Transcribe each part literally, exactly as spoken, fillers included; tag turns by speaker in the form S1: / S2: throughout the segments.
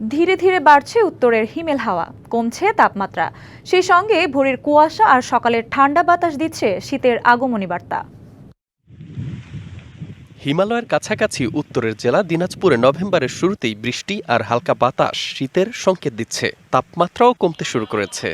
S1: ধীরে ধীরে বাড়ছে উত্তরের হিমেল হাওয়া, কমছে তাপমাত্রা, সেই সঙ্গে ভোরের কুয়াশা আর সকালের ঠান্ডা বাতাস দিচ্ছে শীতের আগমনী বার্তা।
S2: হিমালয়ের কাছাকাছি উত্তরের জেলা দিনাজপুরে নভেম্বরের শুরুতেই বৃষ্টি আর হালকা বাতাস শীতের সংকেত দিচ্ছে। তাপমাত্রাও কমতে শুরু করেছে।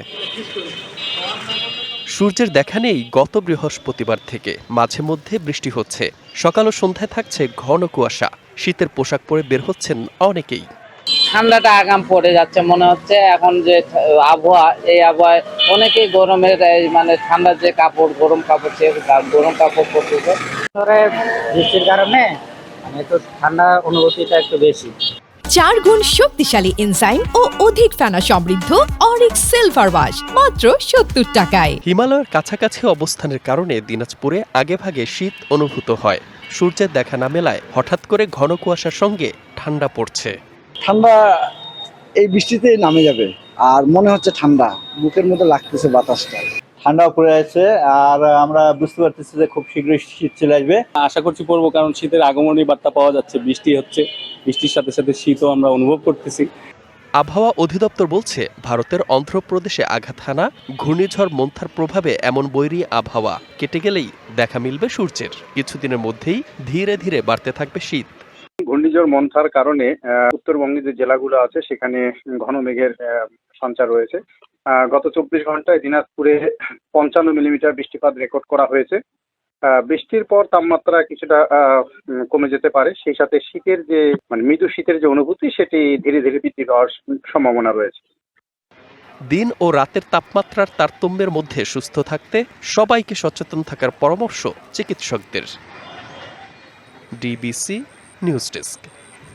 S2: সূর্যের দেখা নেই গত বৃহস্পতিবার থেকে, মাঝে মধ্যে বৃষ্টি হচ্ছে। সকাল ও সন্ধ্যায় থাকছে ঘন কুয়াশা। শীতের পোশাক পরে বের হচ্ছেন অনেকেই।
S3: ঠান্ডাটা আগাম পড়ে যাচ্ছে মনে হচ্ছে। এখন যে আবহাওয়া, এই আবহাওয়ায় অনেকেই গরমের মানে ঠান্ডার যে কাপড়, গরম কাপড়, সে গরম কাপড় পরতেছে।
S4: বৃষ্টির কারণে মানে একটু ঠান্ডা অনুভূতিটা একটু বেশি।
S5: চার গুণ শক্তিশালী এনজাইম ও অধিক ফেনা সমৃদ্ধ অরিক সিলভার ওয়াশ মাত্র সত্তর টাকায়।
S2: হিমালয়ের কাছাকাছি অবস্থানের কারণে দিনাজপুরে আগেভাগে শীত অনুভূত হয়। সূর্যের দেখা না মেলায় হঠাৎ করে ঘন কুয়াশার সঙ্গে ঠান্ডা পড়ছে।
S6: ঠান্ডা এই বৃষ্টিতে নামে যাবে, আর মনে হচ্ছে ঠান্ডা বুকের মধ্যে লাগতেছে বাতাসটা।
S7: ঠান্ডাও পড়ে আছে, আর আমরা বুঝতে পারতেছি যে খুব শীঘ্রই শীত চলে আসবে।
S8: আশা করছি পড়বো, কারণ শীতের আগমনী বার্তা পাওয়া যাচ্ছে। বৃষ্টি হচ্ছে, বৃষ্টির সাথে সাথে শীতও আমরা অনুভব করতেছি।
S2: আবহাওয়া অধিদপ্তর বলছে, ভারতের অন্ধ্রপ্রদেশে আঘাত হানা ঘূর্ণিঝড় মন্থার প্রভাবে এমন বৈরী আবহাওয়া কেটে গেলেই দেখা মিলবে সূর্যের। কিছুদিনের মধ্যেই ধীরে ধীরে বাড়তে থাকবে শীত।
S9: ঘূর্ণিঝড় মন্থার কারণে উত্তরবঙ্গে যে জেলাগুলো আছে সেখানে ঘন মেঘের সঞ্চার রয়েছে। গত চব্বিশ ঘন্টায় দিনাজপুরে পঞ্চান্ন মিলিমিটার বৃষ্টিপাত রেকর্ড করা হয়েছে। বৃষ্টির পর তাপমাত্রা কিছুটা কমে যেতে পারে, সেই সাথে শীতের যে মানে মৃদু শীতের যে অনুভূতি সেটি ধীরে ধীরে বৃদ্ধি পাওয়ার সম্ভাবনা রয়েছে।
S2: দিন ও রাতের তাপমাত্রার তারতম্যের মধ্যে সুস্থ থাকতে সবাইকে সচেতন থাকার পরামর্শ চিকিৎসকদের। DBC news desk.